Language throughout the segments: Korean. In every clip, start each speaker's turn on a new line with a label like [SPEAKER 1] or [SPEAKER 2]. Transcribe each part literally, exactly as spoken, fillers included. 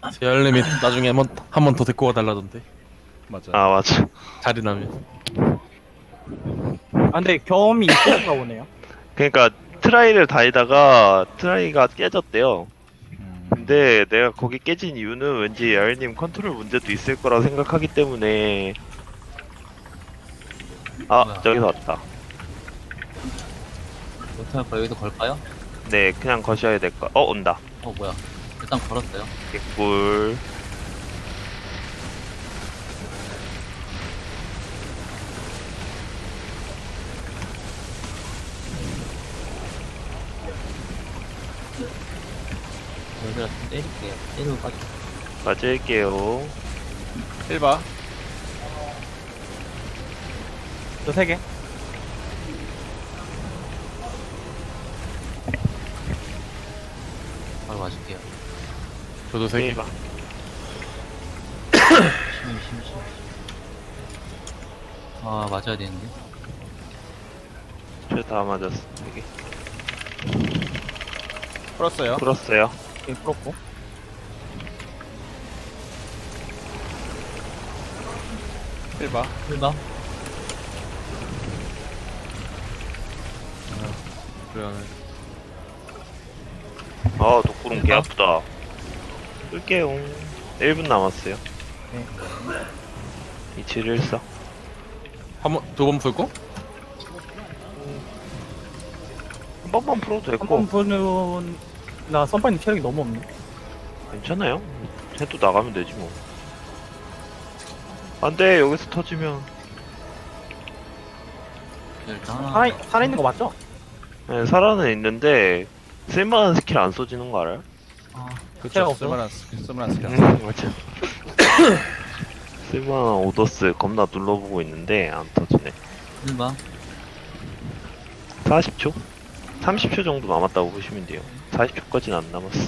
[SPEAKER 1] 제알님이 나중에 한번 한 번 더 데리고 와달라던데.
[SPEAKER 2] 맞아.
[SPEAKER 3] 아 맞아.
[SPEAKER 1] 자리 나면.
[SPEAKER 4] 아 근데 경험이 있으신가 보네요.
[SPEAKER 3] 그러니까 트라이를 다니다가 트라이가 깨졌대요.
[SPEAKER 2] 음,
[SPEAKER 3] 근데 내가 거기 깨진 이유는 왠지 야일님 컨트롤 문제도 있을 거라 생각하기 때문에. 아
[SPEAKER 5] 뭐야?
[SPEAKER 3] 저기서 왔다.
[SPEAKER 5] 어떻게 할까? 여기서 걸까요?
[SPEAKER 3] 네 그냥 거셔야 될 거. 어 온다.
[SPEAKER 5] 어 뭐야? 일단 걸었어요.
[SPEAKER 3] 개꿀.
[SPEAKER 5] 여기다 좀 때릴게요. 때리고 빠져.
[SPEAKER 3] 맞을게요.
[SPEAKER 2] 일 봐.
[SPEAKER 4] 저 세 개.
[SPEAKER 5] 바로 맞을게요.
[SPEAKER 1] 저도 세 개.
[SPEAKER 3] 일 봐.
[SPEAKER 5] 심히 심히 심히. 아 맞아야 되는데.
[SPEAKER 3] 저 다 맞았어. 이게
[SPEAKER 2] 풀었어요.
[SPEAKER 3] 풀었어요.
[SPEAKER 4] 예, 풀었고.
[SPEAKER 2] 일 봐.
[SPEAKER 5] 일 봐.
[SPEAKER 1] 그래.
[SPEAKER 3] 아 독구름 개 아프다. 끌게요. 일 분 남았어요.
[SPEAKER 4] 네.
[SPEAKER 3] 이칠일사.
[SPEAKER 1] 한번 두 번 풀고?
[SPEAKER 3] 한 번만 풀어도
[SPEAKER 4] 한
[SPEAKER 3] 됐고
[SPEAKER 4] 번 보는 나 선파님 체력이 너무 없네.
[SPEAKER 3] 괜찮아요. 해도 나가면 되지 뭐. 안돼 여기서 터지면.
[SPEAKER 5] 일단 하나.
[SPEAKER 4] 살아 살아 있는 거 맞죠?
[SPEAKER 3] 네, 살아는 있는데 쓸만한 스킬 안 써지는 거 알아요?
[SPEAKER 4] 아,
[SPEAKER 2] 그쵸.
[SPEAKER 4] 체력 없어.
[SPEAKER 2] 쓸만한 스킬, 쓸만한 스킬.
[SPEAKER 3] 음, 맞아. 쓸만한 오더스 겁나 눌러보고 있는데 안 터지네.
[SPEAKER 5] 일 봐.
[SPEAKER 3] 사십 초? 삼십 초 정도 남았다고 보시면 돼요. 사십 초까지는 안 남았어.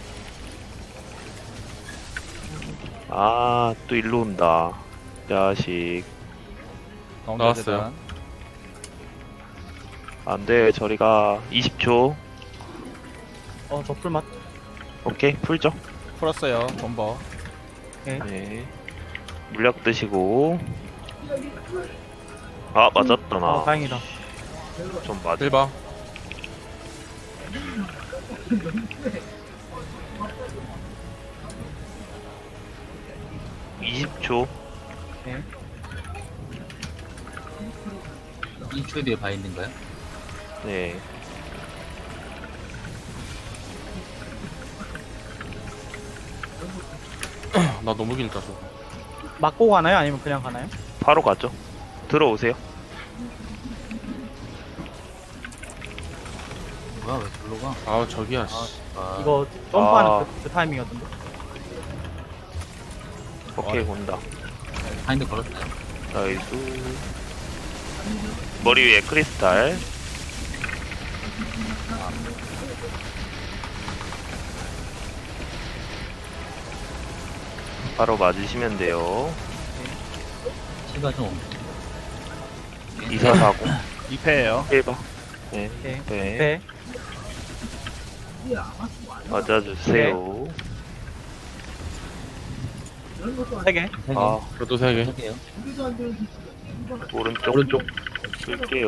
[SPEAKER 3] 아, 또 일로 온다. 자식.
[SPEAKER 2] 가운데
[SPEAKER 1] 나왔어요.
[SPEAKER 2] 재단.
[SPEAKER 3] 안 돼, 저리가. 이십 초.
[SPEAKER 4] 어, 저 풀맛.
[SPEAKER 3] 오케이, 풀죠.
[SPEAKER 2] 풀었어요. 본버.
[SPEAKER 3] 네. 물약 드시고. 아, 맞았다, 나.
[SPEAKER 4] 어, 다행이다.
[SPEAKER 3] 좀 맞아.
[SPEAKER 1] 일 봐.
[SPEAKER 3] 이십 초.
[SPEAKER 4] 네.
[SPEAKER 5] 이 초 뒤에 바인드인가요?
[SPEAKER 3] 네.
[SPEAKER 1] 나 너무 길다 저.
[SPEAKER 4] 맞고 가나요? 아니면 그냥 가나요?
[SPEAKER 3] 바로 가죠. 들어오세요.
[SPEAKER 5] 뭐야 왜 절로 가?
[SPEAKER 1] 아 저기야.
[SPEAKER 5] 아,
[SPEAKER 1] 씨.
[SPEAKER 5] 아
[SPEAKER 4] 이거 점프하는
[SPEAKER 3] 아.
[SPEAKER 4] 그, 그 타이밍이었던데.
[SPEAKER 3] 오케이, 온다.
[SPEAKER 5] 바인드 걸었어요.
[SPEAKER 3] 나이스. 머리 위에 크리스탈. 바로 맞으시면 돼요.
[SPEAKER 5] 키가 좀
[SPEAKER 3] 이사사공.
[SPEAKER 2] 이 패예요.
[SPEAKER 3] 일 번. 네.
[SPEAKER 4] 네.
[SPEAKER 3] 네.
[SPEAKER 4] 네.
[SPEAKER 3] 맞아주세요.
[SPEAKER 4] 세 개.
[SPEAKER 5] 세 개.
[SPEAKER 3] 아,
[SPEAKER 1] 저도 세 개.
[SPEAKER 5] 세 개요.
[SPEAKER 3] 오른쪽. 오른쪽. 쓸게요.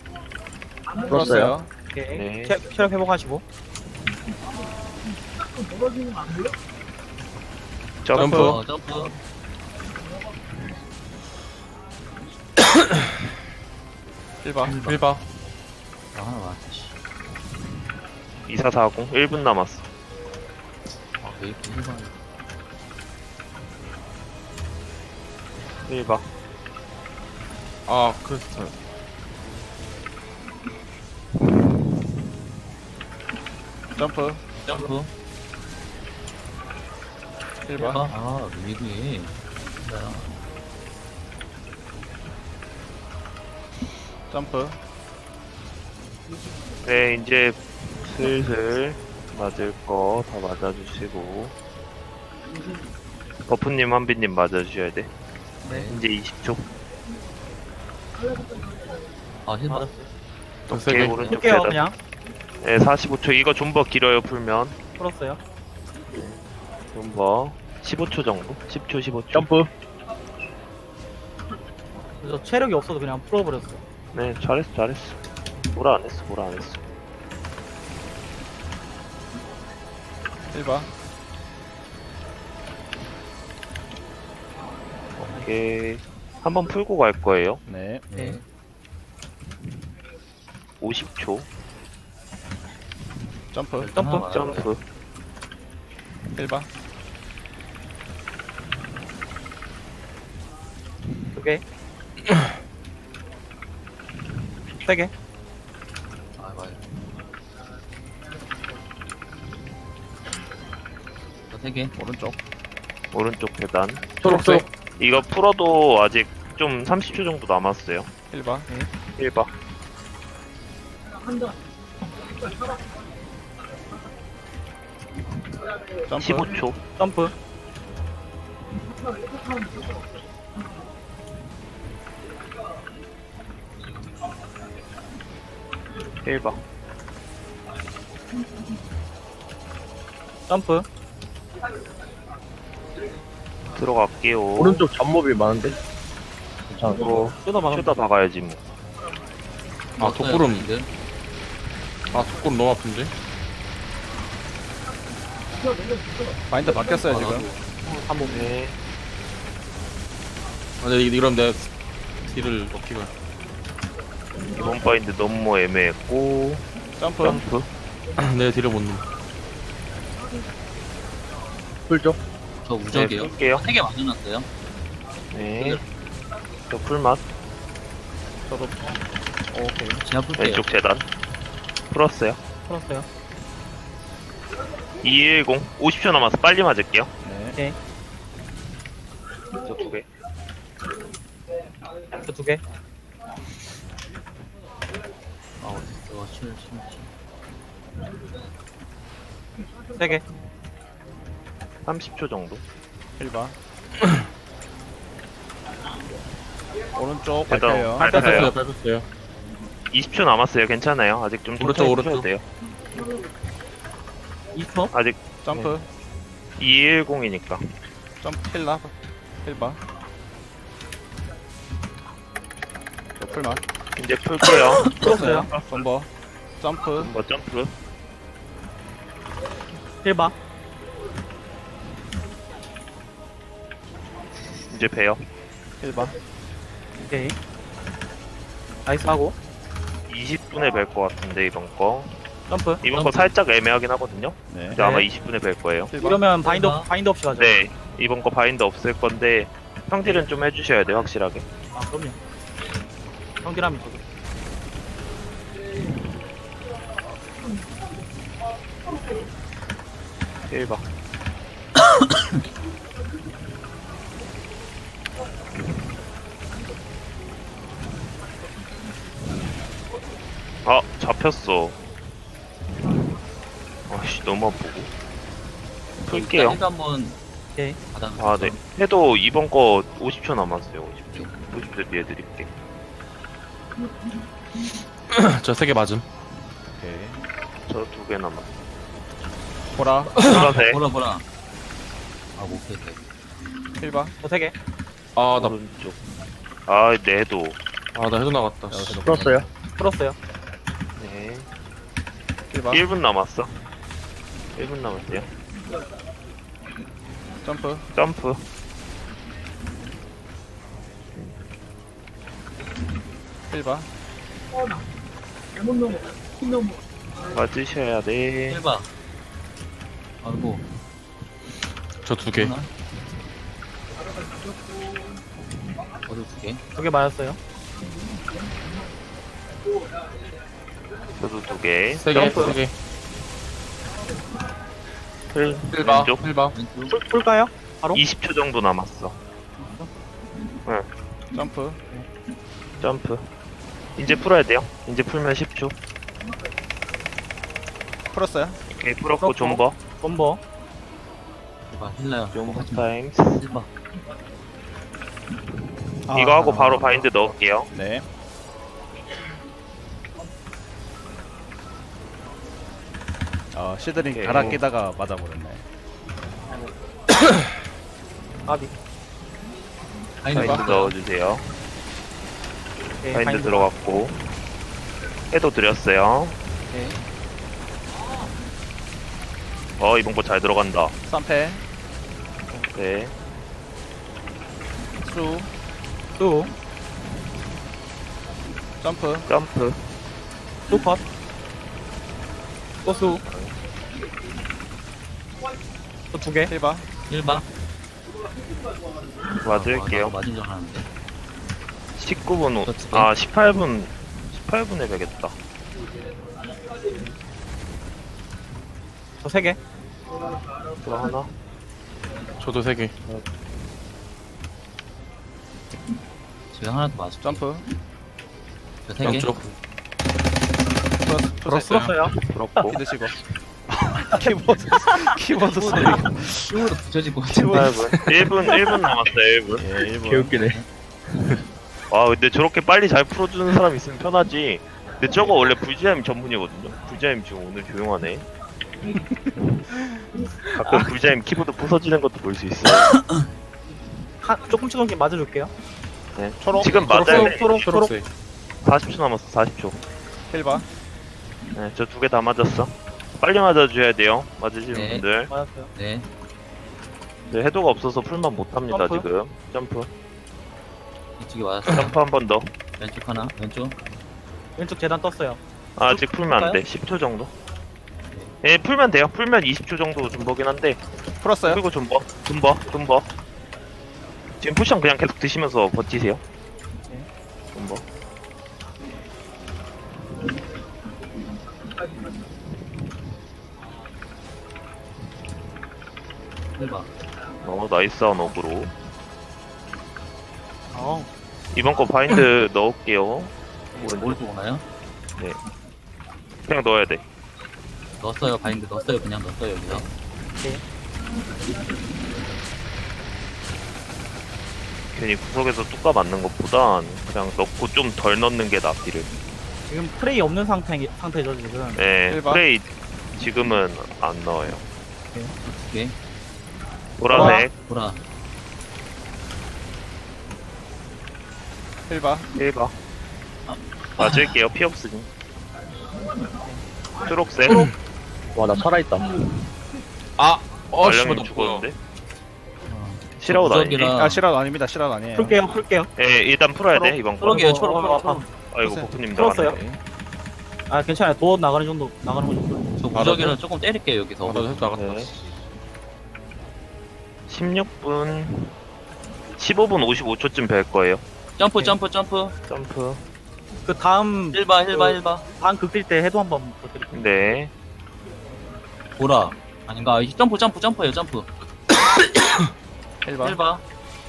[SPEAKER 2] 풀었어요.
[SPEAKER 4] 오케이.
[SPEAKER 3] 네.
[SPEAKER 4] 체, 체력 회복하시고.
[SPEAKER 3] 점프.
[SPEAKER 1] 점프.
[SPEAKER 5] 어 점프.
[SPEAKER 2] 일 봐.
[SPEAKER 1] 일 봐.
[SPEAKER 5] 아 하나 와. 씨.
[SPEAKER 3] 이사사공. 일 분 남았어.
[SPEAKER 5] 아왜 이렇게 일 번.
[SPEAKER 3] 일 번.
[SPEAKER 1] 아 크리스탈.
[SPEAKER 2] 점프.
[SPEAKER 5] 점프.
[SPEAKER 2] 일
[SPEAKER 5] 일
[SPEAKER 2] 봐.
[SPEAKER 5] 봐. 아 미국이. 진짜요.
[SPEAKER 2] 점프.
[SPEAKER 3] 네, 이제 슬슬 맞을 거 다 맞아주시고. 버프님, 한비님 맞아주셔야 돼.
[SPEAKER 4] 네.
[SPEAKER 3] 이제 이십 초.
[SPEAKER 5] 아힐 받았어.
[SPEAKER 1] 세
[SPEAKER 3] 오케이,
[SPEAKER 1] 개.
[SPEAKER 3] 오른쪽
[SPEAKER 4] 풀게요,
[SPEAKER 3] 계단.
[SPEAKER 4] 그냥.
[SPEAKER 3] 네, 사십오 초. 이거 좀 더 길어요, 풀면.
[SPEAKER 4] 풀었어요.
[SPEAKER 3] 존버 십오 초 정도? 십 초 십오 초.
[SPEAKER 2] 점프.
[SPEAKER 4] 그래서 체력이 없어서 그냥 풀어버렸어.
[SPEAKER 3] 네, 잘했어, 잘했어. 뭐라 안 했어, 뭐라 안 했어.
[SPEAKER 2] 일 번.
[SPEAKER 3] 오케이. 한번 풀고 갈 거예요.
[SPEAKER 2] 네.
[SPEAKER 5] 네.
[SPEAKER 3] 오십 초.
[SPEAKER 2] 점프.
[SPEAKER 4] 점프.
[SPEAKER 5] 하나
[SPEAKER 3] 점프.
[SPEAKER 2] 일 번.
[SPEAKER 4] 두 개. 세 개.
[SPEAKER 5] 아, 맞아. 세 개.
[SPEAKER 2] 오른쪽.
[SPEAKER 3] 오른쪽 계단.
[SPEAKER 1] 초록색.
[SPEAKER 3] 이거 풀어도 아직 좀 삼십 초 정도 남았어요.
[SPEAKER 2] 일 번.
[SPEAKER 3] 일 번.
[SPEAKER 2] 점프.
[SPEAKER 3] 십오 초.
[SPEAKER 4] 점프.
[SPEAKER 3] 일 번.
[SPEAKER 4] 점프.
[SPEAKER 3] 들어갈게요.
[SPEAKER 6] 오른쪽 잡몹이 많은데? 괜찮아.
[SPEAKER 3] 어,
[SPEAKER 4] 쏟아 막으면
[SPEAKER 3] 쇼다 박아야지 뭐.
[SPEAKER 1] 아, 독구름.
[SPEAKER 5] 지금.
[SPEAKER 1] 아, 독구름 너무 아픈데?
[SPEAKER 2] 마인드 바뀌었어요
[SPEAKER 5] 아,
[SPEAKER 2] 지금.
[SPEAKER 5] 나도.
[SPEAKER 4] 한 몸.
[SPEAKER 3] 네.
[SPEAKER 1] 아, 근데 이러면 내가 딜을 넣기가.
[SPEAKER 3] 이번 바인드 너무 애매했고.
[SPEAKER 2] 점프.
[SPEAKER 3] 점프.
[SPEAKER 1] 내 딜을 못 넣어.
[SPEAKER 6] 풀죠?
[SPEAKER 5] 저
[SPEAKER 3] 네,
[SPEAKER 5] 무적이에요.
[SPEAKER 3] 풀게요.
[SPEAKER 5] 세 개 맞춰놨어요.
[SPEAKER 3] 네. 저 풀맛.
[SPEAKER 2] 저도. 오케이.
[SPEAKER 5] 제가 풀게요.
[SPEAKER 3] 왼쪽 재단. 풀었어요.
[SPEAKER 4] 풀었어요.
[SPEAKER 3] 이백십. 오십 초 남아서 빨리 맞을게요.
[SPEAKER 2] 네.
[SPEAKER 4] 오케이.
[SPEAKER 3] 저 두 개.
[SPEAKER 4] 저 두 개.
[SPEAKER 5] 아, 어딨어. 칠, 칠, 칠.
[SPEAKER 4] 세 개.
[SPEAKER 3] 삼십 초 정도.
[SPEAKER 2] 일 번. 오른쪽
[SPEAKER 3] 계단
[SPEAKER 2] 밟혀요.
[SPEAKER 3] 밟혀요.
[SPEAKER 1] 밟았어요, 밟았어요.
[SPEAKER 3] 이십 초 남았어요. 괜찮아요. 아직 좀
[SPEAKER 1] 오른쪽,
[SPEAKER 3] 천천히
[SPEAKER 1] 오른쪽.
[SPEAKER 3] 푸셔도 돼요.
[SPEAKER 4] 이 초.
[SPEAKER 3] 아직
[SPEAKER 2] 점프.
[SPEAKER 3] 이백십이니까.
[SPEAKER 2] 점프 킬라. 일 번. 저 풀만.
[SPEAKER 3] 이제 풀게요.
[SPEAKER 4] 풀었어요.
[SPEAKER 2] 존버. 점프.
[SPEAKER 3] 뭐 점프.
[SPEAKER 4] 일 번.
[SPEAKER 3] 이제 배요.
[SPEAKER 2] 일 번.
[SPEAKER 4] 오케이. 나이스 하고.
[SPEAKER 3] 이십 분에 뵐 것 같은데 이번 거.
[SPEAKER 4] 점프.
[SPEAKER 3] 이번 거 살짝 애매하긴 하거든요.
[SPEAKER 2] 네.
[SPEAKER 3] 근데 아마
[SPEAKER 4] 네.
[SPEAKER 3] 이십 분에 뵐 거예요.
[SPEAKER 2] 일 번.
[SPEAKER 4] 이러면 바인드, 바인드 없이 가죠.
[SPEAKER 3] 네. 이번 거 바인드 없을 건데 평딜은 좀 해주셔야 돼요. 확실하게.
[SPEAKER 4] 아, 그럼요. 형기라면 저도.
[SPEAKER 3] 일 번. 아, 잡혔어. 아씨, 너무 아프고. 풀게요.
[SPEAKER 5] 일단 한번
[SPEAKER 4] 오케이.
[SPEAKER 5] 받아.
[SPEAKER 3] 아, 네. 해도 이번 거 오십 초 남았어요. 오십 초. 오십 초 뒤에 드릴게.
[SPEAKER 1] 저 세 개 맞음.
[SPEAKER 2] 오케이.
[SPEAKER 3] 저 두 개 남았어.
[SPEAKER 2] 보라.
[SPEAKER 3] 보라색.
[SPEAKER 5] 보라, 보라. 아, 못 뺐다.
[SPEAKER 2] 일 번.
[SPEAKER 4] 저 세 개.
[SPEAKER 1] 아, 나,
[SPEAKER 3] 오른쪽. 아, 네도.
[SPEAKER 1] 아, 나 해도 나갔다. 씨.
[SPEAKER 2] 여기서
[SPEAKER 6] 풀었어요?
[SPEAKER 4] 풀었어요.
[SPEAKER 3] 네.
[SPEAKER 2] 일 번.
[SPEAKER 3] 일 분 남았어. 일 분 남았어요.
[SPEAKER 2] 점프.
[SPEAKER 3] 점프.
[SPEAKER 2] 일 번.
[SPEAKER 3] 맞으셔야 돼.
[SPEAKER 5] 일 번. 아이고.
[SPEAKER 1] 저 두 개.
[SPEAKER 5] 하나. 어디 두 개?
[SPEAKER 4] 두 개 맞았어요.
[SPEAKER 3] 저도 두 개.
[SPEAKER 1] 세 개,
[SPEAKER 4] 점프.
[SPEAKER 1] 세 개.
[SPEAKER 3] 풀.
[SPEAKER 1] 일 바,
[SPEAKER 3] 왼쪽.
[SPEAKER 1] 일 바.
[SPEAKER 5] 왼쪽.
[SPEAKER 4] 풀, 풀까요? 바로?
[SPEAKER 3] 이십 초 정도 남았어.
[SPEAKER 2] 점프.
[SPEAKER 3] 점프. 이제 풀어야 돼요. 이제 풀면 십 초.
[SPEAKER 2] 풀었어요.
[SPEAKER 3] 오케이, 풀었고
[SPEAKER 4] 풀었고.
[SPEAKER 3] 존버.
[SPEAKER 4] 존버.
[SPEAKER 5] 일 번. 힐러요.
[SPEAKER 3] 존버 타임스.
[SPEAKER 5] 일 번.
[SPEAKER 3] 이거 하고 바로 바인드 넣을게요.
[SPEAKER 2] 네. 어, 시드링
[SPEAKER 3] 오케이.
[SPEAKER 2] 갈아 끼다가 맞아버렸네.
[SPEAKER 4] 까비.
[SPEAKER 5] 파인드
[SPEAKER 3] 바인드
[SPEAKER 5] 넣었어요.
[SPEAKER 3] 넣어주세요.
[SPEAKER 4] 오케이,
[SPEAKER 3] 바인드 들어갔고 해도 드렸어요.
[SPEAKER 4] 오케이.
[SPEAKER 3] 어 이번 거 잘 들어간다.
[SPEAKER 2] 삼 패.
[SPEAKER 3] 네.
[SPEAKER 2] 수.
[SPEAKER 4] 또,
[SPEAKER 2] 점프.
[SPEAKER 3] 점프.
[SPEAKER 4] 또 컷. 또 수. 또 두 개.
[SPEAKER 2] 일 바.
[SPEAKER 5] 일 번.
[SPEAKER 3] 맞을게요.
[SPEAKER 5] 아, 맞은 줄 알았는데.
[SPEAKER 3] 십구 분, 오,
[SPEAKER 5] 또 두 개.
[SPEAKER 3] 아 십팔 분, 십팔 분에 되겠다.
[SPEAKER 4] 저 세 개.
[SPEAKER 3] 또 하나.
[SPEAKER 1] 저도 세 개.
[SPEAKER 5] 지금 하나 더 맞을게요.
[SPEAKER 2] 점프.
[SPEAKER 5] 저세 개.
[SPEAKER 1] 왼쪽.
[SPEAKER 2] 풀었, 풀었어요.
[SPEAKER 4] 풀었어요.
[SPEAKER 3] 그렇고
[SPEAKER 2] 믿으시고. 키보드. 키보드 소리.
[SPEAKER 5] 힘으로 붙여지고.
[SPEAKER 3] 십팔 분. 일 분, 일 분 남았어요. 일 분.
[SPEAKER 2] 예, 일 분.
[SPEAKER 6] 개웃기네.
[SPEAKER 3] 아 근데 저렇게 빨리 잘 풀어주는 사람 있으면 편하지. 근데 저거 원래 불지함 전문이거든요. 불지함 지금 오늘 조용하네. 가끔 불지함 키보드 부서지는 것도 볼 수 있어요.
[SPEAKER 4] 한, 조금 조금씩 맞아줄게요.
[SPEAKER 3] 네.
[SPEAKER 2] 초록.
[SPEAKER 3] 지금 맞아야 돼.
[SPEAKER 2] 초록, 초록.
[SPEAKER 1] 초록색.
[SPEAKER 3] 사십 초 남았어. 사십 초.
[SPEAKER 2] 일 바.
[SPEAKER 3] 네, 저 두 개 다 맞았어. 빨리 맞아줘야 돼요. 맞으시는
[SPEAKER 5] 네.
[SPEAKER 3] 분들.
[SPEAKER 4] 맞았어요.
[SPEAKER 5] 네.
[SPEAKER 3] 네, 해도가 없어서 풀만 못합니다
[SPEAKER 4] 점프.
[SPEAKER 3] 지금. 점프.
[SPEAKER 5] 이쪽에 맞았어요.
[SPEAKER 3] 점프 한 번 더.
[SPEAKER 5] 왼쪽 하나. 왼쪽.
[SPEAKER 4] 왼쪽 재단 떴어요.
[SPEAKER 3] 아직 풀면 안 돼. 십 초 정도. 예, 풀면 돼요. 풀면 이십 초 정도 존버긴 한데.
[SPEAKER 2] 풀었어요.
[SPEAKER 3] 그리고 존버, 존버, 존버. 지금 포션 그냥 계속 드시면서 버티세요.
[SPEAKER 4] 네.
[SPEAKER 3] 존버.
[SPEAKER 5] 일 번.
[SPEAKER 3] 어, 나이스한 어그로.
[SPEAKER 4] 어,
[SPEAKER 3] 이번 거 바인드 넣을게요.
[SPEAKER 5] 오른쪽 오나요?
[SPEAKER 3] 그냥 넣어야 돼.
[SPEAKER 5] 넣었어요. 바인드 넣었어요. 그냥 넣었어요. 여기서.
[SPEAKER 3] 괜히 구석에서 뚜까 맞는 것보단 그냥 넣고 좀 덜 넣는 게 낫기를.
[SPEAKER 4] 지금 프레이 없는 상태, 상태죠, 지금.
[SPEAKER 3] 네,
[SPEAKER 2] 일 번.
[SPEAKER 3] 프레이 지금은 안 넣어요.
[SPEAKER 5] 두 개.
[SPEAKER 3] 보라색
[SPEAKER 5] 보라.
[SPEAKER 2] 일 바.
[SPEAKER 3] 일 번. 맞을게요. 피 없으니. 초록색.
[SPEAKER 6] 와, 나 살아있다.
[SPEAKER 1] 아, 어, 씨발,
[SPEAKER 3] 말량님
[SPEAKER 1] 너
[SPEAKER 3] 죽었는데.
[SPEAKER 5] 어.
[SPEAKER 3] 실화웃 아니지?
[SPEAKER 5] 무적이라-
[SPEAKER 2] 아, 실화도 아닙니다. 실화도 아니에요.
[SPEAKER 4] 풀게요, 풀게요.
[SPEAKER 3] 예, 일단 풀어야 돼,
[SPEAKER 2] 초록?
[SPEAKER 3] 이번 거.
[SPEAKER 5] 초록이에요.
[SPEAKER 4] 어,
[SPEAKER 5] 초록.
[SPEAKER 4] 어,
[SPEAKER 5] 초록.
[SPEAKER 4] 아파.
[SPEAKER 5] 초록.
[SPEAKER 3] 아이고,
[SPEAKER 2] 풀었어요.
[SPEAKER 3] 버프님
[SPEAKER 4] 풀었어요.
[SPEAKER 3] 나갔네.
[SPEAKER 4] 아, 괜찮아요. 도어 나가는 정도, 나가는 거 정도.
[SPEAKER 5] 저 무적이라 조금 때릴게요. 여기서.
[SPEAKER 1] 아, 나도 해도 나갔다.
[SPEAKER 3] 네. 십육 분, 십오 분 오십오 초쯤 뵐 거예요.
[SPEAKER 5] 점프 점프 점프.
[SPEAKER 3] 점프.
[SPEAKER 4] 그 다음,
[SPEAKER 5] 일 번 일 번 일 번.
[SPEAKER 4] 다음 극딜 때 해도 한번 부탁드릴게요.
[SPEAKER 3] 네.
[SPEAKER 5] 보라. 아닌가? 아, 점프 점프 점프예요. 점프.
[SPEAKER 2] 일 바.
[SPEAKER 5] 일 번.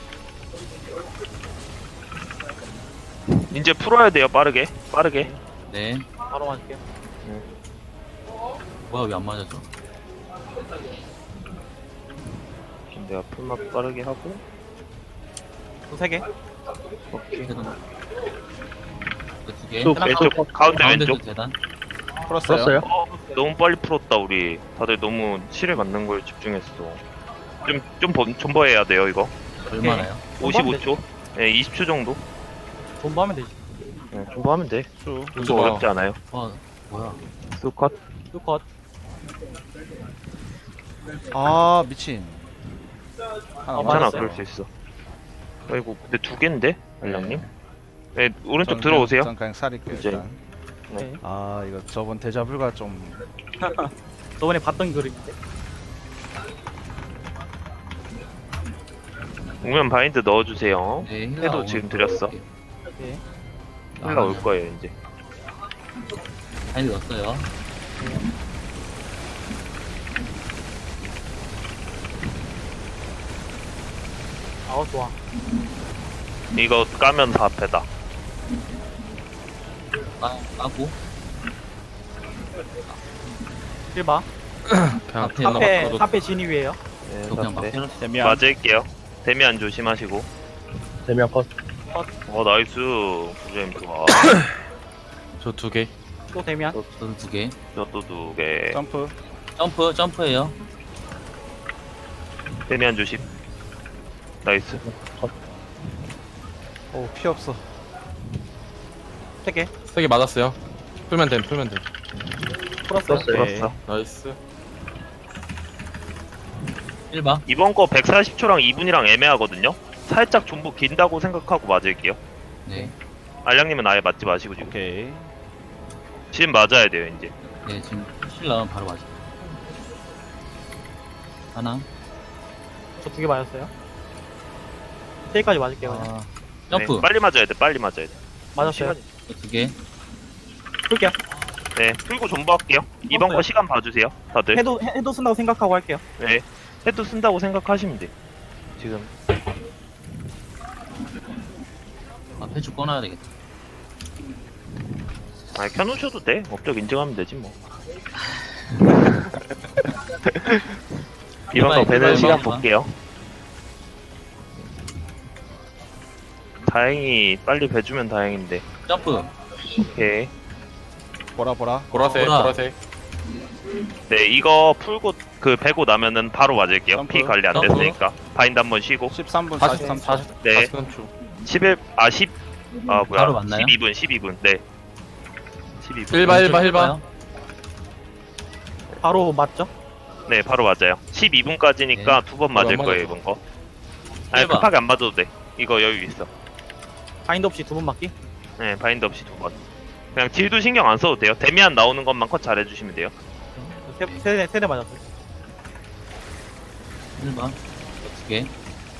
[SPEAKER 3] 이제 풀어야 돼요, 빠르게. 빠르게.
[SPEAKER 5] 네.
[SPEAKER 4] 바로 맞을게요.
[SPEAKER 5] 뭐야 왜 안 맞아져?
[SPEAKER 3] 내가 풀만 빠르게 하고.
[SPEAKER 4] 또 세 개.
[SPEAKER 3] 오케이.
[SPEAKER 5] 대단. 두 개.
[SPEAKER 6] 또
[SPEAKER 3] 왼쪽, 가운데
[SPEAKER 5] 가운데도
[SPEAKER 3] 왼쪽.
[SPEAKER 5] 대단.
[SPEAKER 2] 풀었어요.
[SPEAKER 6] 풀었어요?
[SPEAKER 3] 어, 너무 빨리 풀었다, 우리. 다들 너무 실에 맞는 걸 집중했어. 좀, 좀 번- 존버해야 돼요, 이거.
[SPEAKER 5] 얼마나요?
[SPEAKER 3] 오십오 초? 네, 이십 초 정도?
[SPEAKER 4] 존버하면 되지.
[SPEAKER 3] 네, 존버하면 돼.
[SPEAKER 2] 수.
[SPEAKER 3] 그거 어렵지 않아요.
[SPEAKER 5] 와 뭐야?
[SPEAKER 3] 수컷.
[SPEAKER 4] 또 컷.
[SPEAKER 2] 아, 미친. 하나
[SPEAKER 4] 어,
[SPEAKER 3] 괜찮아,
[SPEAKER 4] 맞았어요.
[SPEAKER 3] 그럴 수 있어. 아이고, 근데 두 개인데? 알랑님? 네, 오른쪽
[SPEAKER 2] 전
[SPEAKER 3] 들어오세요.
[SPEAKER 2] 그냥, 전 그냥 살릴게요,
[SPEAKER 3] 이제.
[SPEAKER 2] 일단.
[SPEAKER 3] 네.
[SPEAKER 2] 아, 이거 저번 데자불과 좀.
[SPEAKER 4] 저번에 봤던 그림인데.
[SPEAKER 3] 오면 바인드 넣어주세요.
[SPEAKER 5] 네. 힐라
[SPEAKER 3] 해도
[SPEAKER 5] 오늘
[SPEAKER 3] 지금 드렸어.
[SPEAKER 5] 넣을게요.
[SPEAKER 4] 오케이.
[SPEAKER 3] 힐라 올 거예요, 이제.
[SPEAKER 5] 바인드 넣었어요.
[SPEAKER 4] 아우, 좋아.
[SPEAKER 3] 이거 까면 다 패다.
[SPEAKER 5] 까 까고.
[SPEAKER 4] 일 바.
[SPEAKER 1] 그냥
[SPEAKER 5] 앞에
[SPEAKER 1] 하나
[SPEAKER 4] 앞에,
[SPEAKER 1] 맞춰도
[SPEAKER 4] 앞에 진입이에요.
[SPEAKER 3] 네,
[SPEAKER 5] 저 그냥
[SPEAKER 3] 다
[SPEAKER 5] 막
[SPEAKER 3] 패.
[SPEAKER 5] 때렸어.
[SPEAKER 2] 데미안.
[SPEAKER 3] 맞을게요. 데미안 조심하시고.
[SPEAKER 6] 대면 컷.
[SPEAKER 3] 어, 나이스. 부재임 좋아.
[SPEAKER 1] 저 두 개.
[SPEAKER 4] 또 되면.
[SPEAKER 5] 저도 두 개.
[SPEAKER 3] 저도 두 개.
[SPEAKER 2] 점프.
[SPEAKER 5] 점프 점프예요.
[SPEAKER 3] 데미안 조심. 나이스.
[SPEAKER 2] 오, 피 없어.
[SPEAKER 4] 세 개.
[SPEAKER 1] 세 개 맞았어요. 풀면 됨, 풀면 됨.
[SPEAKER 4] 풀었어요.
[SPEAKER 6] 풀었어요.
[SPEAKER 3] 풀었어.
[SPEAKER 1] 나이스.
[SPEAKER 5] 일 번.
[SPEAKER 3] 이번 거 백사십 초랑 이 분이랑 애매하거든요. 살짝 존버 긴다고 생각하고 맞을게요.
[SPEAKER 5] 네.
[SPEAKER 3] 알량님은 아예 맞지 마시고 지금.
[SPEAKER 2] 오케이.
[SPEAKER 3] 지금 맞아야 돼요 이제.
[SPEAKER 5] 네, 지금 실 나오면 바로 맞아. 하나.
[SPEAKER 4] 저 두 개 맞았어요. 세 개까지 맞을게요. 그냥.
[SPEAKER 2] 아,
[SPEAKER 5] 점프.
[SPEAKER 3] 네, 빨리 맞아야 돼. 빨리 맞아야 돼.
[SPEAKER 4] 맞았어요.
[SPEAKER 3] 시간이-
[SPEAKER 5] 또 두 개.
[SPEAKER 4] 풀게요.
[SPEAKER 3] 네, 풀고 존버할게요. 이번 거 시간 봐주세요, 다들.
[SPEAKER 4] 해도 해도 쓴다고 생각하고 할게요.
[SPEAKER 3] 네, 해도 쓴다고 생각하시면 돼. 지금
[SPEAKER 5] 아, 펜줄 꺼놔야 되겠다.
[SPEAKER 3] 아 켜놓으셔도 돼. 업적 인증하면 되지 뭐. 이번 거
[SPEAKER 5] 이번,
[SPEAKER 3] 배는
[SPEAKER 5] 이번,
[SPEAKER 3] 시간
[SPEAKER 5] 이번.
[SPEAKER 3] 볼게요. 다행히 빨리 배주면 다행인데.
[SPEAKER 5] 점프.
[SPEAKER 3] 오케이.
[SPEAKER 2] 보라 보라.
[SPEAKER 1] 보라색,
[SPEAKER 5] 보라.
[SPEAKER 1] 보라색.
[SPEAKER 3] 네, 이거 풀고 그 배고 나면은 바로 맞을게요.
[SPEAKER 2] 점프.
[SPEAKER 3] 피 관리 안
[SPEAKER 5] 점프.
[SPEAKER 3] 됐으니까. 바인드 한번 쉬고.
[SPEAKER 2] 십삼 분
[SPEAKER 1] 사십삼,
[SPEAKER 2] 사십삼 초.
[SPEAKER 3] 네,
[SPEAKER 1] 사십삼 초.
[SPEAKER 3] 십일, 아 십, 아 뭐야?
[SPEAKER 5] 바로 맞나요?
[SPEAKER 3] 십이 분, 십이 분. 네. 십이 분.
[SPEAKER 1] 일 번, 일 번, 일
[SPEAKER 5] 왼쪽
[SPEAKER 1] 번.
[SPEAKER 4] 바로 맞죠?
[SPEAKER 3] 네, 바로 맞아요. 십이 분까지니까 두 번 맞을
[SPEAKER 1] 안
[SPEAKER 3] 거예요,
[SPEAKER 1] 맞았어.
[SPEAKER 3] 이번 거. 아니,
[SPEAKER 5] 일 번.
[SPEAKER 3] 급하게 안 맞아도 돼. 이거 여유 있어.
[SPEAKER 4] 바인드 없이 두 번 맞기.
[SPEAKER 3] 네, 바인드 없이 두 번. 그냥 딜도 신경 안 써도 돼요. 데미안 나오는 것만 컷 잘해주시면 돼요.
[SPEAKER 4] 세대 세대 맞았어요.
[SPEAKER 5] 일 번. 또 두 개.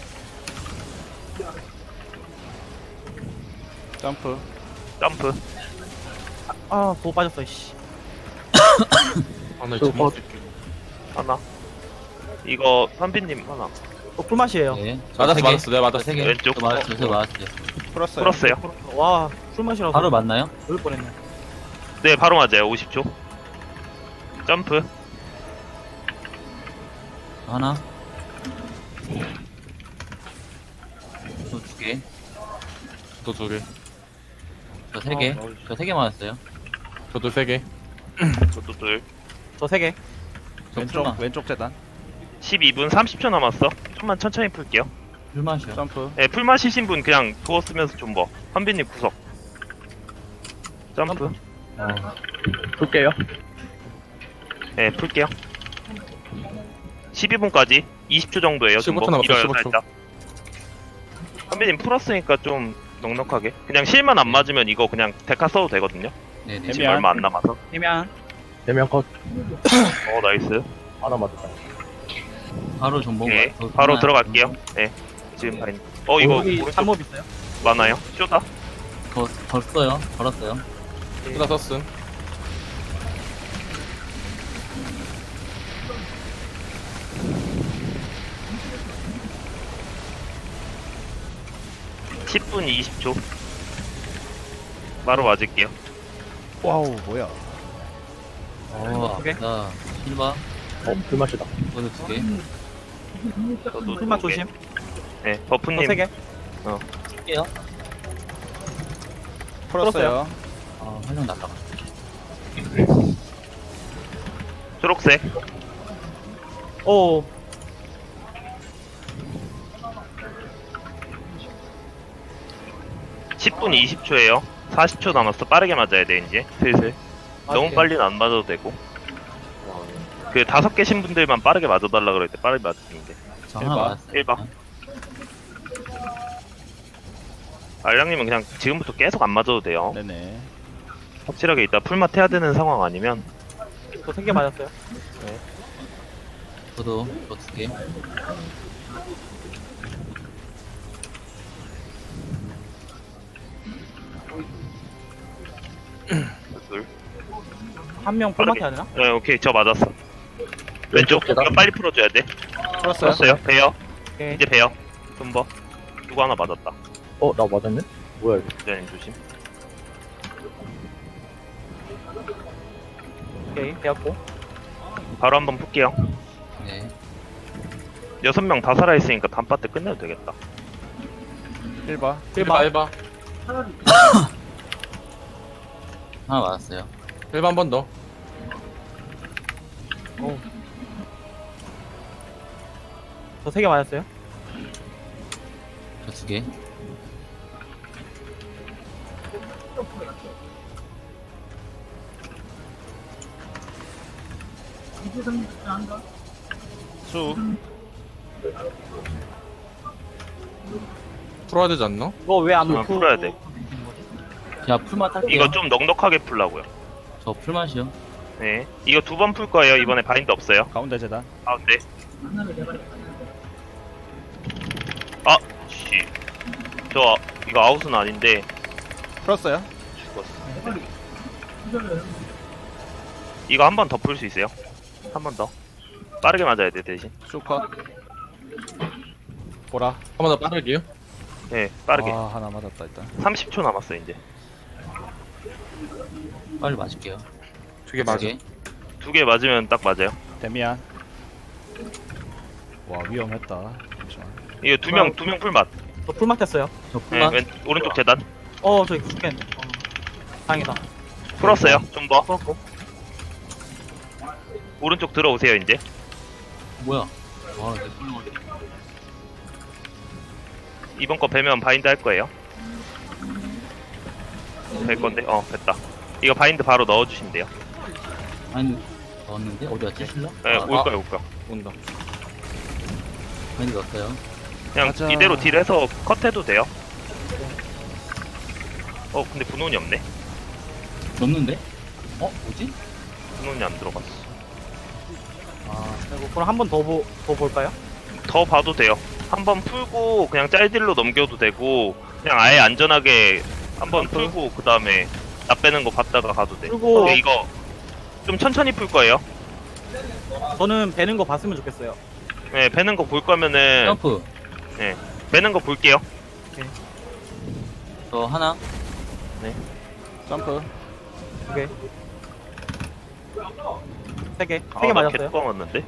[SPEAKER 2] 점프.
[SPEAKER 3] 점프.
[SPEAKER 4] 아, 보고 빠졌어. 씨.
[SPEAKER 1] 아, 나
[SPEAKER 6] 또
[SPEAKER 1] 지금
[SPEAKER 6] 어.
[SPEAKER 3] 하나. 이거, 선비님 하나.
[SPEAKER 4] 어, 꿀맛이에요.
[SPEAKER 5] 네.
[SPEAKER 1] 맞았어,
[SPEAKER 5] 세 개.
[SPEAKER 1] 맞았어. 내가 맞았어.
[SPEAKER 5] 세 개.
[SPEAKER 3] 왼쪽.
[SPEAKER 5] 또 맞았어요. 저 맞았어요.
[SPEAKER 2] 풀었어요.
[SPEAKER 3] 풀었어요.
[SPEAKER 4] 와, 꿀맛이라서.
[SPEAKER 5] 바로 맞나요?
[SPEAKER 4] 놀 뻔했네.
[SPEAKER 3] 네, 바로 맞아요. 오십 초. 점프.
[SPEAKER 5] 하나. 또 두 개.
[SPEAKER 1] 또 두 개.
[SPEAKER 5] 저 세 개. 저 세 개 맞았어요.
[SPEAKER 1] 저도 세 개.
[SPEAKER 3] 저도 둘.
[SPEAKER 4] 저 세 개.
[SPEAKER 5] 저
[SPEAKER 2] 왼쪽
[SPEAKER 5] 풀만.
[SPEAKER 2] 왼쪽 재단.
[SPEAKER 3] 십이 분 삼십 초 남았어. 좀만 천천히 풀게요.
[SPEAKER 5] 풀맛이요.
[SPEAKER 2] 점프.
[SPEAKER 3] 네, 풀 마시신 분 그냥 두어 쓰면서 좀 뭐. 선비님 구석. 점프.
[SPEAKER 6] 풀게요.
[SPEAKER 3] 네, 풀게요. 십이 분까지 이십 초 정도예요.
[SPEAKER 1] 십오 초
[SPEAKER 3] 좀 뭐.
[SPEAKER 1] 남았어요,
[SPEAKER 3] 길어요,
[SPEAKER 1] 십오 초.
[SPEAKER 3] 살짝. 선비님 풀었으니까 좀 넉넉하게. 그냥 실만 안 맞으면 이거 그냥 데카 써도 되거든요.
[SPEAKER 5] 네네.
[SPEAKER 3] 지금
[SPEAKER 2] 데미안.
[SPEAKER 3] 얼마 안 남아서.
[SPEAKER 4] 되면
[SPEAKER 6] 대면 컷.
[SPEAKER 3] 어, 나이스.
[SPEAKER 6] 하나 맞았다.
[SPEAKER 5] 바로 전복.
[SPEAKER 3] 예, 바로 들어갈게요. 네, 지금 바인. 어, 이거
[SPEAKER 4] 여기
[SPEAKER 3] 오른쪽
[SPEAKER 4] 잠몹 있어요.
[SPEAKER 3] 많아요. 쇼다.
[SPEAKER 5] 더, 벌써요. 벌었어요.
[SPEAKER 1] 쓰다 썼음.
[SPEAKER 3] 십 분 이십 초. 바로 맞을게요.
[SPEAKER 2] 와우, 뭐야?
[SPEAKER 5] 어,
[SPEAKER 4] 두 개?
[SPEAKER 5] 나 실바.
[SPEAKER 6] 어, 풀맛이다.
[SPEAKER 5] 이거도 두 개.
[SPEAKER 3] 저도
[SPEAKER 4] 꿀맛
[SPEAKER 3] 두 개.
[SPEAKER 4] 조심.
[SPEAKER 3] 네,
[SPEAKER 4] 저
[SPEAKER 3] 버프님.
[SPEAKER 4] 세 개.
[SPEAKER 5] 할게요.
[SPEAKER 2] 풀었어요.
[SPEAKER 5] 아, 활용 날라가.
[SPEAKER 3] 초록색.
[SPEAKER 4] 오,
[SPEAKER 3] 십 분 이십 초에요. 사십 초 남았어. 빠르게 맞아야 돼, 이제. 슬슬. 너무
[SPEAKER 4] 맞을게요.
[SPEAKER 3] 빨리는 안 맞아도 되고. 그 다섯 개신 분들만 빠르게 맞아달라 그럴 때 빠르게 맞으면 돼.
[SPEAKER 5] 저
[SPEAKER 2] 일
[SPEAKER 5] 하나
[SPEAKER 2] 번.
[SPEAKER 5] 맞았어요.
[SPEAKER 3] 일 번. 알량님은 그냥 지금부터 계속 안 맞아도 돼요.
[SPEAKER 2] 네네.
[SPEAKER 3] 확실하게 이따 풀맛 해야 되는 상황 아니면
[SPEAKER 4] 저 세 개 맞았어요.
[SPEAKER 5] 저도 저 두 개.
[SPEAKER 3] 둘.
[SPEAKER 4] 한 명 꿀맛 해야 되나?
[SPEAKER 3] 네, 오케이. 저 맞았어. 왼쪽.
[SPEAKER 6] 계단.
[SPEAKER 3] 이거 빨리 풀어줘야 돼.
[SPEAKER 2] 풀었어요.
[SPEAKER 3] 풀었어요. 배요.
[SPEAKER 4] 오케이.
[SPEAKER 3] 이제 배요. 좀버. 누구 하나 맞았다.
[SPEAKER 6] 어, 나 맞았네? 뭐야, 이거.
[SPEAKER 3] 기자님 조심.
[SPEAKER 4] 오케이. 되었고.
[SPEAKER 3] 바로 한번 풀게요.
[SPEAKER 5] 네.
[SPEAKER 3] 여섯 명 다 살아있으니까 단파 때 끝내도 되겠다.
[SPEAKER 2] 일 번.
[SPEAKER 1] 일 번, 일 번.
[SPEAKER 5] 하나 맞았어요.
[SPEAKER 1] 일 번 한 번 더.
[SPEAKER 4] 저 세 개 맞았어요.
[SPEAKER 5] 두 개.
[SPEAKER 2] 수.
[SPEAKER 1] 풀어야 되지 않나?
[SPEAKER 4] 이거 왜 안
[SPEAKER 3] 아,
[SPEAKER 4] 놓고
[SPEAKER 3] 풀어야 돼.
[SPEAKER 5] 제가 풀맛 할게요.
[SPEAKER 3] 이거 좀 넉넉하게 풀라고요.
[SPEAKER 5] 저 풀맛이요.
[SPEAKER 3] 네. 이거 두 번 풀 거예요. 이번에 바인드 없어요.
[SPEAKER 2] 가운데 재단.
[SPEAKER 3] 가운데. 아, 씨. 저 이거 아웃은 아닌데
[SPEAKER 2] 풀었어요.
[SPEAKER 3] 죽었어. 이거 한 번 더 풀 수 있어요? 한 번 더. 빠르게 맞아야 돼 대신.
[SPEAKER 2] 수컷. 보라.
[SPEAKER 1] 한 번 더 빠르게요.
[SPEAKER 3] 네, 빠르게.
[SPEAKER 2] 아, 하나 맞았다 일단.
[SPEAKER 3] 삼십 초 남았어 이제.
[SPEAKER 5] 빨리 맞을게요.
[SPEAKER 1] 두 개
[SPEAKER 5] 두
[SPEAKER 1] 맞아.
[SPEAKER 5] 개.
[SPEAKER 3] 두 개 맞으면 딱 맞아요.
[SPEAKER 2] 데미안. 와, 위험했다. 잠시만.
[SPEAKER 3] 이거 두 명 두 명 풀맛.
[SPEAKER 4] 저 풀맛 했어요.
[SPEAKER 5] 저
[SPEAKER 3] 네,
[SPEAKER 5] 풀맛.
[SPEAKER 3] 왼 오른쪽 재단.
[SPEAKER 4] 어 저기 죽겠네. 어. 다행이다.
[SPEAKER 3] 풀었어요. 좀 더.
[SPEAKER 4] 풀었고.
[SPEAKER 3] 오른쪽 들어오세요 이제.
[SPEAKER 5] 뭐야? 와, 내 풀맛.
[SPEAKER 3] 이번 거 배면 바인드 할 거예요. 될 건데, 어 됐다. 이거 바인드 바로 넣어주시면 돼요.
[SPEAKER 5] 아니, 넣었는데? 어디 갔지? 실러?
[SPEAKER 3] 네,
[SPEAKER 5] 아,
[SPEAKER 3] 올 거야 올 거야.
[SPEAKER 1] 온다.
[SPEAKER 5] 많이 넣었어요.
[SPEAKER 3] 그냥
[SPEAKER 2] 맞아.
[SPEAKER 3] 이대로 딜해서 컷해도 돼요. 어 근데 분홍이 없네.
[SPEAKER 5] 넣었는데? 어? 뭐지?
[SPEAKER 3] 분홍이 안 들어갔어.
[SPEAKER 5] 아,
[SPEAKER 4] 그리고 그럼 한 번 더 더 볼까요?
[SPEAKER 3] 더 봐도 돼요. 한번 풀고 그냥 짤딜로 넘겨도 되고 그냥 아예 안전하게 한번 풀고 그 다음에 나 빼는 거 봤다가 가도 돼.
[SPEAKER 4] 풀고.
[SPEAKER 3] 근데 이거 좀 천천히 풀 거예요.
[SPEAKER 4] 저는 배는 거 봤으면 좋겠어요.
[SPEAKER 3] 네, 배는 거 볼 거면은
[SPEAKER 5] 점프.
[SPEAKER 3] 배는 거 볼게요.
[SPEAKER 5] 저 하나.
[SPEAKER 2] 점프.
[SPEAKER 4] 두 개. 세 개. 세
[SPEAKER 3] 아,
[SPEAKER 4] 개
[SPEAKER 3] 나
[SPEAKER 4] 맞았어요.
[SPEAKER 3] 개뚜껑 맞는데?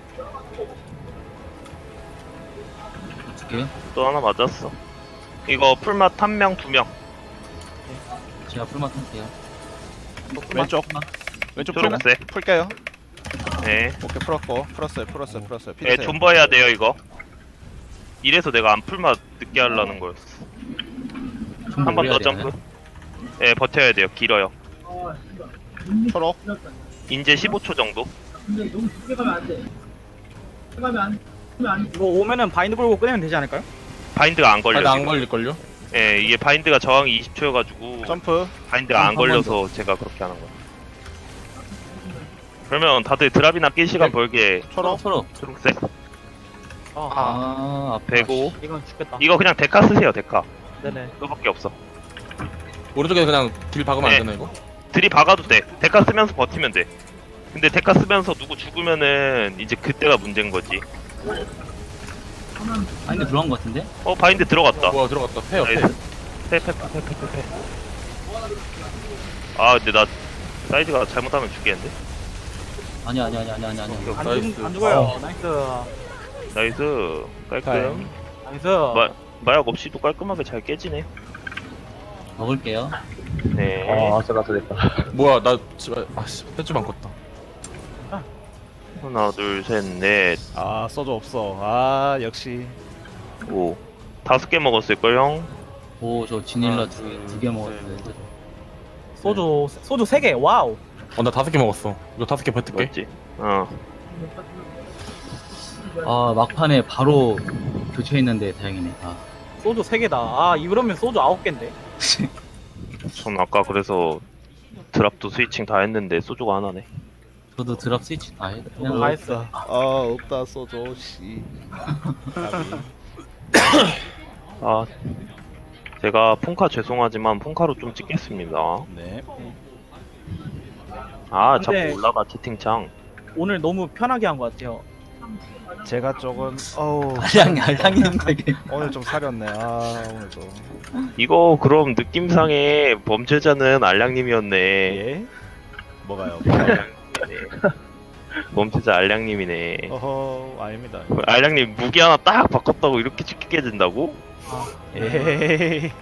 [SPEAKER 5] 두 개.
[SPEAKER 3] 또 하나 맞았어. 이거 풀맛 한 명, 두 명.
[SPEAKER 5] 제가 풀맛 할게요.
[SPEAKER 2] 왼쪽. 왼쪽 풀,
[SPEAKER 3] 초록색.
[SPEAKER 2] 풀게요.
[SPEAKER 3] 네.
[SPEAKER 2] 오케이, 풀었고. 풀었어요, 풀었어요, 풀었어요.
[SPEAKER 3] 네,
[SPEAKER 2] 피드세요.
[SPEAKER 3] 존버 해야 돼요, 이거. 이래서 내가 안 풀맛 늦게 하려는 거였어. 한 번 더 점프. 네, 버텨야 돼요. 길어요.
[SPEAKER 2] 초록.
[SPEAKER 3] 인제 십오 초 정도.
[SPEAKER 4] 이거 오면은 바인드 걸고 끄내면 되지 않을까요?
[SPEAKER 3] 바인드가 안 걸려.
[SPEAKER 1] 바인드 안
[SPEAKER 3] 지금.
[SPEAKER 1] 걸릴걸요?
[SPEAKER 3] 예, 이게 바인드가 저항이 이십 초여가지고
[SPEAKER 2] 점프.
[SPEAKER 3] 바인드가 안
[SPEAKER 5] 한
[SPEAKER 3] 걸려서 제가 그렇게 하는 거예요. 그러면 다들 드랍이나 낄 시간 벌게
[SPEAKER 2] 초록.
[SPEAKER 5] 서로.
[SPEAKER 3] 초록색
[SPEAKER 4] 아,
[SPEAKER 5] 아, 아파.
[SPEAKER 3] 배고
[SPEAKER 4] 이건 죽겠다.
[SPEAKER 3] 이거 그냥 데카 쓰세요 데카.
[SPEAKER 4] 네네.
[SPEAKER 3] 그거밖에 없어.
[SPEAKER 1] 오른쪽에 그냥 딜 박으면
[SPEAKER 3] 네.
[SPEAKER 1] 안 되나 이거?
[SPEAKER 3] 들이 박아도 돼. 데카 쓰면서 버티면 돼. 근데 데카 쓰면서 누구 죽으면은 이제 그때가 문제인 거지.
[SPEAKER 5] 아니, 근데 들어간 것 같은데?
[SPEAKER 3] 어 바인드 들어갔다.
[SPEAKER 1] 뭐야 들어갔다. 패요 패.
[SPEAKER 3] 나이스. 패패패패패패. 아 근데 나 사이드가 잘못하면 죽겠는데?
[SPEAKER 5] 아니, 아니, 아니, 아니, 아니, 아니.
[SPEAKER 3] 오케이,
[SPEAKER 4] 안,
[SPEAKER 3] 오케이.
[SPEAKER 1] 나이스.
[SPEAKER 4] 죽, 안 죽어요. 나이스.
[SPEAKER 3] 나이스. 깔끔.
[SPEAKER 2] 다행.
[SPEAKER 4] 나이스.
[SPEAKER 3] 마, 마약 없이도 깔끔하게 잘 깨지네.
[SPEAKER 5] 먹을게요.
[SPEAKER 3] 네.
[SPEAKER 6] 아, 아슬아슬 됐다.
[SPEAKER 1] 뭐야 나 지금 아씨 패줄 안 껐다.
[SPEAKER 3] 하나, 둘, 셋, 넷,
[SPEAKER 2] 아, 소주 없어. 아, 역시.
[SPEAKER 3] 오. 다섯 개 먹었을걸, 형?
[SPEAKER 5] 오, 저 지닐라
[SPEAKER 1] 아,
[SPEAKER 5] 두 개 먹었는데.
[SPEAKER 4] 소주 소주 세 개. 와우.
[SPEAKER 1] 어 나 다섯 개 먹었어. 이거 다섯 개 버틸게.
[SPEAKER 3] 맞지? 어.
[SPEAKER 5] 아, 막판에 바로 교체했는데 다행이네. 아,
[SPEAKER 4] 소주 세 개다. 아 이러면 소주 아홉 개인데.
[SPEAKER 3] 전 아까 그래서 드랍도 스위칭 다 했는데 소주가 하나네.
[SPEAKER 5] 저도 드랍 스위치 다 해.
[SPEAKER 4] 다
[SPEAKER 5] 그냥
[SPEAKER 4] 했어.
[SPEAKER 2] 아, 없다, 소주, 씨.
[SPEAKER 3] 아. 제가 폰카 죄송하지만 폰카로 좀 찍겠습니다.
[SPEAKER 2] 네.
[SPEAKER 3] 아,
[SPEAKER 4] 근데-
[SPEAKER 3] 자꾸 올라가, 채팅창.
[SPEAKER 4] 오늘 너무 편하게 한 것 같아요.
[SPEAKER 2] 제가 조금, 어우,
[SPEAKER 5] 알량이, 알량이 되게.
[SPEAKER 2] 오늘 좀 사렸네. 아, 오늘 좀.
[SPEAKER 3] 이거 그럼 느낌상에 범죄자는 알량님이었네.
[SPEAKER 2] 예? 뭐가요?
[SPEAKER 3] 범죄자 알량님이네.
[SPEAKER 2] 어허, 아닙니다.
[SPEAKER 3] 알량님 무기 하나 딱 바꿨다고 이렇게 찍히게 된다고?
[SPEAKER 2] 에이.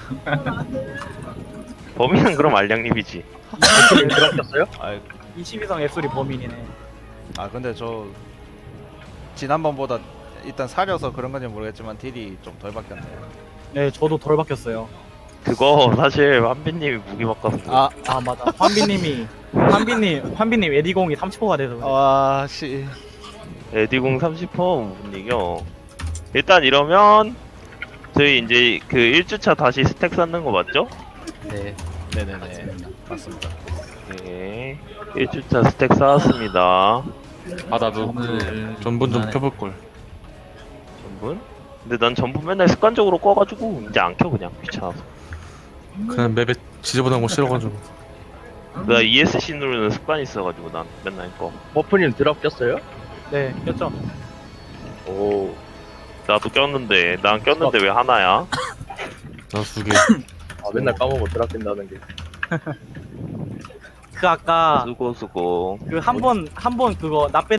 [SPEAKER 3] 범인은 그럼 알량님이지.
[SPEAKER 6] 들어갔어요?
[SPEAKER 2] 아,
[SPEAKER 4] 이십이 성 앱소리 범인이네.
[SPEAKER 2] 아, 근데 저, 지난번보다 일단 사려서 그런 건지 모르겠지만 딜이 좀 덜 바뀌었네요.
[SPEAKER 4] 네, 저도 덜 바뀌었어요.
[SPEAKER 3] 그거 사실 한빈님이 무기 바꿔서
[SPEAKER 2] 아,
[SPEAKER 4] 아, 맞아. 환비님이, 환비님, 환비님 에디공이 삼십 호가 돼서. 그래.
[SPEAKER 2] 와, 씨.
[SPEAKER 3] 에디공 삼십 퍼 못 이겨. 일단 이러면 저희 이제 그 일 주차 다시 스택 쌓는 거 맞죠?
[SPEAKER 5] 네.
[SPEAKER 2] 네네네. 맞습니다.
[SPEAKER 3] 네. 일 주차 스택 쌓았습니다.
[SPEAKER 1] 아 나도 그
[SPEAKER 5] 오늘
[SPEAKER 1] 전분 좀
[SPEAKER 5] 그만해.
[SPEAKER 1] 켜볼 걸.
[SPEAKER 3] 전분? 근데 난 전분 맨날 습관적으로 꺼가지고 이제 안 켜 그냥 귀찮아서.
[SPEAKER 1] 그냥 맵에 지저분한 거 싫어가지고.
[SPEAKER 3] 나 이에스씨 누르는 습관이 있어가지고 난 맨날 꺼.
[SPEAKER 6] 버프님 드랍 꼈어요?
[SPEAKER 4] 네, 꼈죠.
[SPEAKER 6] 오.
[SPEAKER 3] 나도 꼈는데 난 꼈는데 왜 하나야?
[SPEAKER 1] 나 두 개.
[SPEAKER 6] 아, 맨날 까먹어 드랍 낀다는 게.
[SPEAKER 4] 그 아까
[SPEAKER 3] 수고 수고.
[SPEAKER 4] 그 한 번 한 번 그거 나 빼